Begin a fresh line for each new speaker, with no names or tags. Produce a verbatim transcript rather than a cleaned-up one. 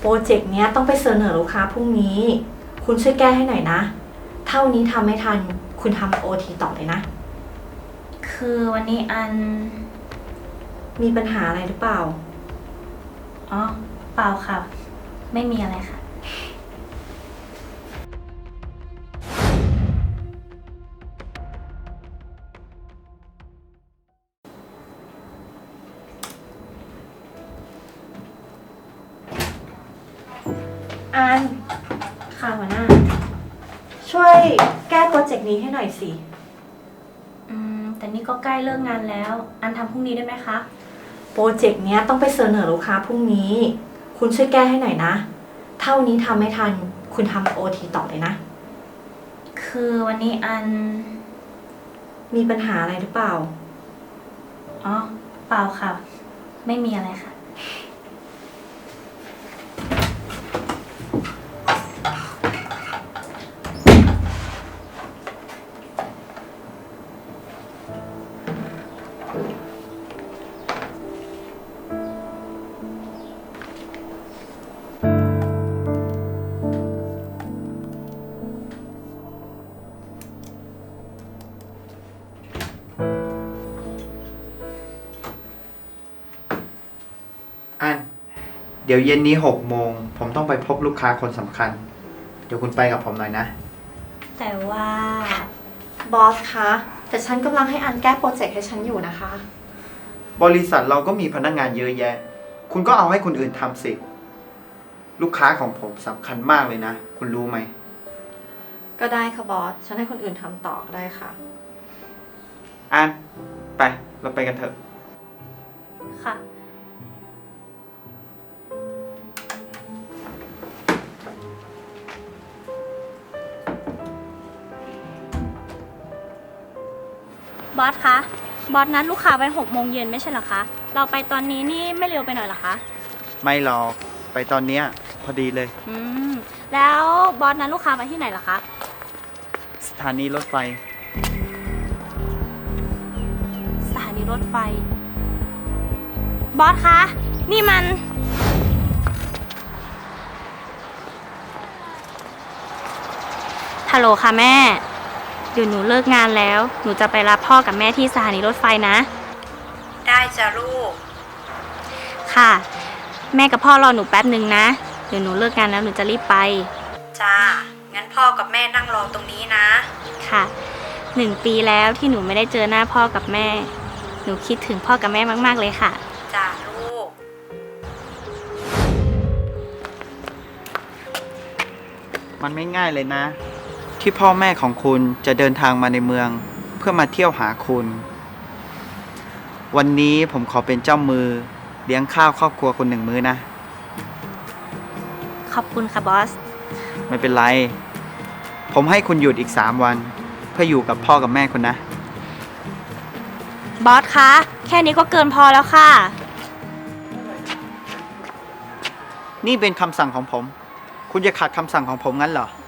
โปรเจกต์เนี้ยต้องไปเสนอลูกค้าพรุ่งนี้ คุณช่วยแก้ให้หน่อยนะ เท่านี้ทำไม่ทัน คุณทำโอทีต่อเลยนะ
คือวันนี้อัน
มีปัญหาอะไรหรือเปล่า
อ๋อ เปล่าค่ะ ไม่มีอะไรค่ะ
อันค่ะหัวหน้า ช่วยแก้โปรเจกต์นี้ให้หน่อยสิ
อืม แต่นี่ก็ใกล้เลิกงานแล้ว อันทำพรุ่งนี้ได้ไหมคะ
โปรเจกต์เนี้ยต้องไปเสนอลูกค้าพรุ่งนี้ คุณช่วยแก้ให้หน่อยนะ เท่านี้ทำไม่ทัน คุณทำโอทีต่อเลยนะ
คือวันนี้อัน
มีปัญหาอะไรหรือเปล่า
อ๋อ เปล่าค่ะ ไม่มีอะไรค่ะ
อันเดี๋ยวเย็นนี้หกโมงผมต้องไปพบลูกค้าคนสำคัญ เดี๋ยวคุณไปกับผมหน่อยนะ
แต่ว่า
บอสคะ แต่ฉันกำลังให้อันแก้โปรเจกต์ให้ฉันอยู่นะคะ
บริษัทเราก็มีพนักงานเยอะแยะ คุณก็เอาให้คนอื่นทำสิ ลูกค้าของผมสำคัญมากเลยนะ คุณรู้ไหม
ก็ได้ค่ะบอส ฉันให้คนอื่นทำต่อได้ค่ะ
อันไปเราไปกันเถอะ
ค่ะ บอสคะ บอสนัดลูกค้าไว้หกโมงเย็นไม่ใช่เหรอคะ เราไปตอนนี้นี่ไม่เร็วไปหน่อยเหรอคะ
ไม่หรอกไปตอนเนี้ยพอดีเลย
อืม แล้วบอสนัดลูกค้าไว้ที่ไหนเหรอคะ
สถานีรถไฟ
สถานีรถไฟ บอสคะ นี่มัน ฮัลโหลค่ะแม่ เดี๋ยวหนูเลิกงานแล้ว หนูจะไปรับพ่อกับแม่ที่สถานีรถไฟนะ
ได้จ้ะลูก
ค่ะ แม่กับพ่อรอหนูแป๊บหนึ่งนะ เดี๋ยวหนูเลิกงานแล้วหนูจะรีบไป
จ้า งั้นพ่อกับแม่นั่งรอตรงนี้นะ
ค่ะ หนึ่งปีแล้วที่หนูไม่ได้เจอหน้าพ่อกับแม่ หนูคิดถึงพ่อกับแม่มากๆเลยค่ะ
จ้าลูก
มันไม่ง่ายเลยนะ ที่พ่อแม่ของคุณจะเดินทางมาในเมือง เพื่อมาเที่ยวหาคุณ วันนี้ผมขอเป็นเจ้ามือเลี้ยงข้าวครอบครัวคุณหนึ่งมื้อนะ
ขอบคุณค่ะบอส
ไม่เป็นไร ผมให้คุณหยุดอีกสามวัน เพื่ออยู่กับพ่อกับแม่คุณนะ
บอสคะ แค่นี้ก็เกินพอแล้วค่ะ
นี่เป็นคำสั่งของผม คุณจะขัดคำสั่งของผมงั้นเหรอ